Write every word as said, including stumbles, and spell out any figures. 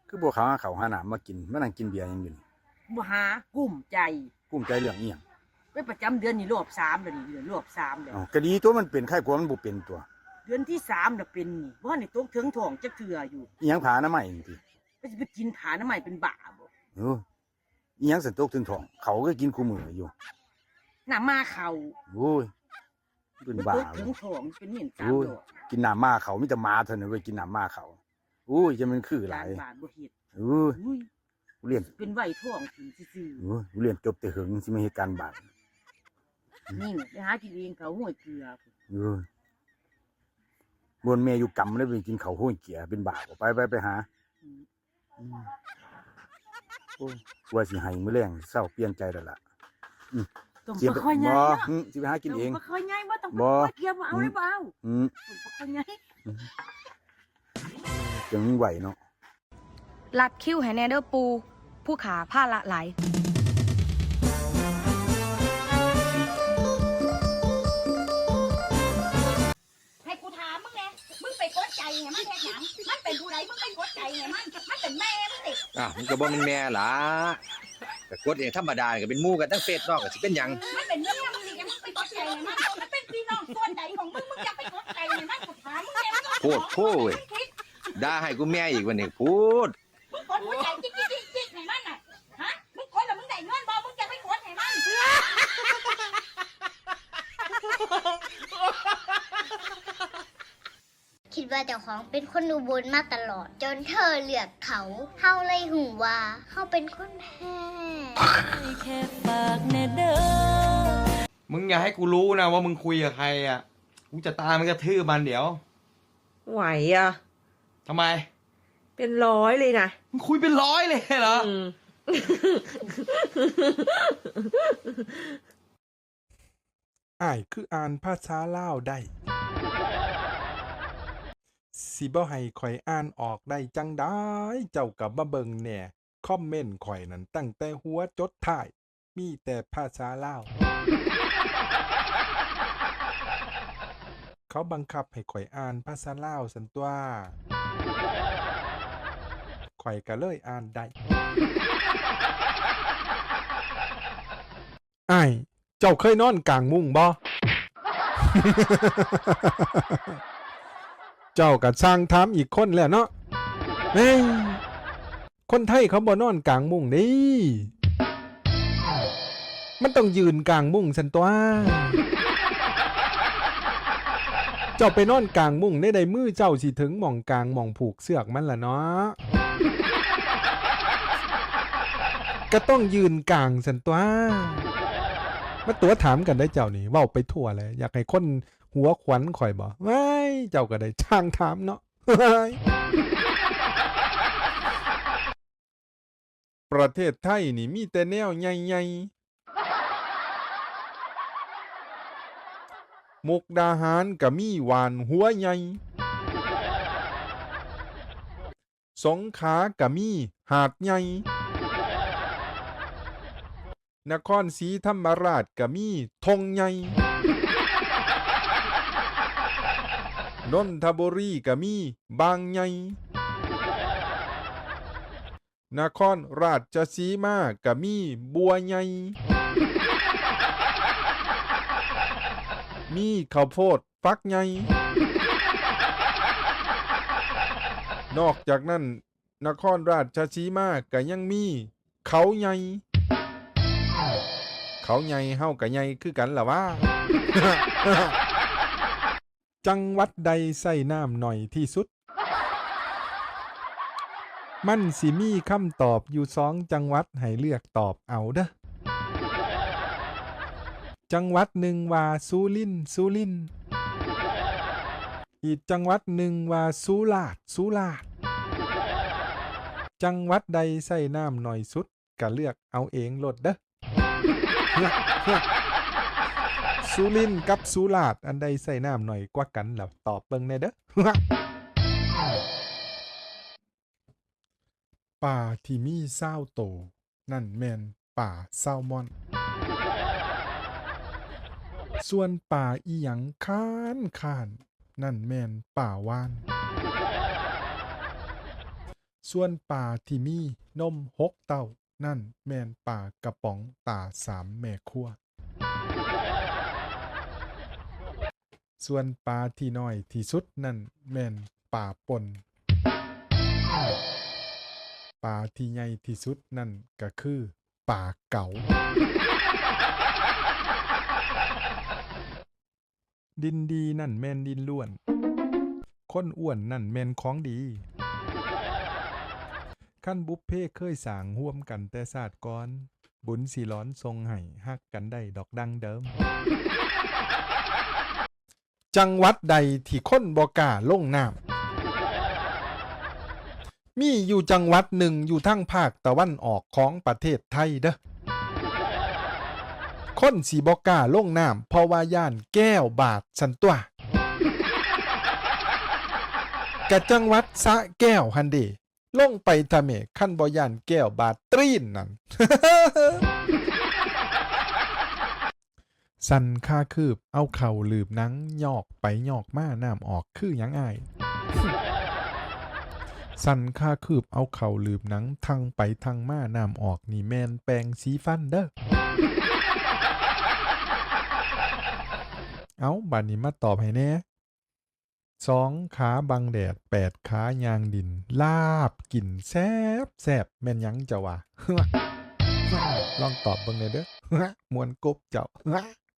คือบัวขาวหาเขาหาหนามมากินมานั่งกินเบียร์ยังอยู่นี่บ่หากุ้มใจกุ้มใจเรื่องอีหยังเป็นประจำเดือนนี่รอบสามแล้วนี่เดือนรอบสามแล้วอ๋อก็ดีตัวมันเป็นไข้กลัวมันบ่เป็นตัวเดือนที่สามน่ะเป็นนี่บ่นี่ตกถึงท้องจักเทื่ออยู่อีหยังผาหน้าใหม่นี่ติก็สิไปกินผาหน้าใหม่เป็นบ้าบ่เอออีหยังสันตกถึงท้องเขาก็กินคู่มื้ออยู่น้ามาเขาโอ้ยเป็นบ้าตกถึงท้องเป็นเหม็นสามดอกกินน้ำมาเขามีแต่หมาเท่านั้นเว้ยกินน้ำมาเขาโอ้ยจะมันคือหลายบาทบ่เฮ็ดเออเรียนเป็นไว้ท้องกินซื่อๆเออเรียนจบแต่หึงสิมาเฮ็ดการบาดนี่ไปหากินเองเขาห้วยเกลือเออบนแม่อยู่กำแล้วไปกินเขาห้วยเกียเป็นบาปไปไปไปหาโอ้ว่าสิให้มื้อแรงเศร้าเปลี่ยนใจแล้วล่ะสิไปค่อยใหญ่บ่สิไปหากินเองบ่ค่อยใหญ่บ่ต้องบ่เกียบ่เอาได้บ่เอาอืมบ่ค่อยใหญ่จังไหวเนาะรัดคิ้วให้แน่เด้อปูผู้ขาผ้าละหลายให้กูถามมึงไงมึงไปกดใจไงมันแค่หยังมันเป็นผู้ใดมึงไปกดใจไงมันมันเป็นแม่มึงติอ่ะมันก็บ่เป็นแม่ล่ะแต่กดเองธรรมดาก็เป็นหมู่กันทั้งเฟซนอกก็สิเป็นหยังมันเป็นแม่มึงสิแกมึงไปกดใจไงมันมันเป็นพี่น้องส่วนใดของมึงมึงจะไปกดใจไงมันกูถามมึงไงโพดโพดด่าให้กูแม่อีกวันนี้พูดมึงกดหัวใจจิ๊กจิ๊กจิ๊กจิ๊กไงมันน่ะฮะมึงกดแล้วมึงได้เงินบ่มึงจะไปกดให้มันคิดว่าเจ้าของเป็นคนอุบลมาตลอดจนเธอเลือกเขาเฮาเลยหูว่าเฮาเป็นคนแพ้แค่ฝากแน่เด้อมึงอย่าให้กูรู้นะว่ามึงคุยกับใครอ่ะกูจะตามมันกระทืบมันเดี๋ยวไหวอ่ะทำไมเป็นร้อยเลยนะมึงคุยเป็นร้อยเลยเหรออ้ายคืออ่านภาษาลาวได้สิบ่ให้ข่อยอ่านออกได้จังได้เจ้ากับมาเบิ่งแหน่คอมเมนต์ข่อยนั้นตั้งแต่หัวจดท้ายมีแต่ภาษาลาวเขาบังคับให้ข่อยอ่านภาษาลาวซั่นตัวข่อยก็เลยอ่านได้อ้ายเจ้าเคยนอนกลางมุ้งบ่ เจ้าก็สร้างถามอีกคนแล้วเนาะเฮ้ยคนไทยเขาบ่นอนกลางมุ้งนี่มันต้องยืนกลางมุ้งซั่นตัวเจ้าไปนอนกลางมุ้งในใดมือเจ้าสิถึงหม่องกลางหม่องผูกเสือกมันล่ะเนาะก็ต้องยืนกลางซั่นตัวมาตัวถามกันได้เจ้านี่เว้าไปทั่วเลยอยากให้คนหัวขวัญข่อยบ่ว้ายเจ้าก็ได้ช่างถามเนาะ ประเทศไทยนี่มีแต่แนวใหญ่ๆมุกดาหารก็มีหวานหัวใหญ่สงขลาก็มีหาดใหญ่นครศรีธรรมราชก็มีธงใหญ่นนทบุรีก็มีบางใหญ่นครราชสีมาก็มีบัวใหญ่มีข้าวโพดฟักใหญ่นอกจากนั้นนครราชสีมาก็ยังมีเขาใหญ่เขาใหญ่เฮาก็ใหญ่คือกันล่ะว่า จังหวัดใดใส่น้ำหน่อยที่สุดมันสิมีคำตอบอยู่สองจังหวัดให้เลือกตอบเอาเด้อจังหวัดหนึ่งว่าสุรินทร์สุรินทร์อีกจังหวัดหนึ่งว่าสุราษฎร์สุราษฎร์จังหวัดใดใส่น้ำหน่อยสุดก็เลือกเอาเองโลดเด้อ สุรินทร์กับสุราษฎร์อันใดใส่น้ำหน่อยกว่ากันแล้วตอบเบิ่งแน่เด้อ ป่าที่มีเศร้าโตนั่นแม่นป่าแซลมอนส่วนป่าอีหยังค้านค้านนั่นแม่นป่าวานส่วนปลาที่มีนมหกเต้านั่นแม่นปลากระป๋องตาสามแม่ครัวส่วนปลาที่น้อยที่สุดนั่นแม่นปลาป่นปลาที่ใหญ่ที่สุดนั่นก็คือปลาเก๋าดินดีนั่นแม่นดินล้วนคนอ้วนนั่นแม่นของดีขั้นบุฟเพ่เคยสร้างร่วมกันแต่ศาสตร์ก่อนบุญสิร้อนทรงให้ฮักกันได้ดอกดังเดิมจังหวัดใดที่คนบ่กล้าลงน้ำมีอยู่จังหวัดหนึ่งอยู่ทั้งภาคตะวันออกของประเทศไทยเด้อคนสีบ่กล้าลงน้ำเพราะว่าย่านแก้วบาดสันตัวกะจังหวัดสระแก้วฮันเดลงไปทะเมขั้นบ่ย่านแก้วบาดตรีนนั่น สันค่าคืบเอาเข่าลืบหนังยอกไปยอกมาน้ำออกคือหยังอาย สันค่าคืบเอาเข่าลืบหนังทางไปทางมาน้ำออกนี่แมนแปลงสีฟันเด้อ เอาบัดนี้มาตอบให้แน่สองขาบังแดดแปดขายางดินลาบกินแซบแซบแม่นหยังเจ้าวะ ลองตอบเบิ่งเลยเด้อ มวนกบเจ้า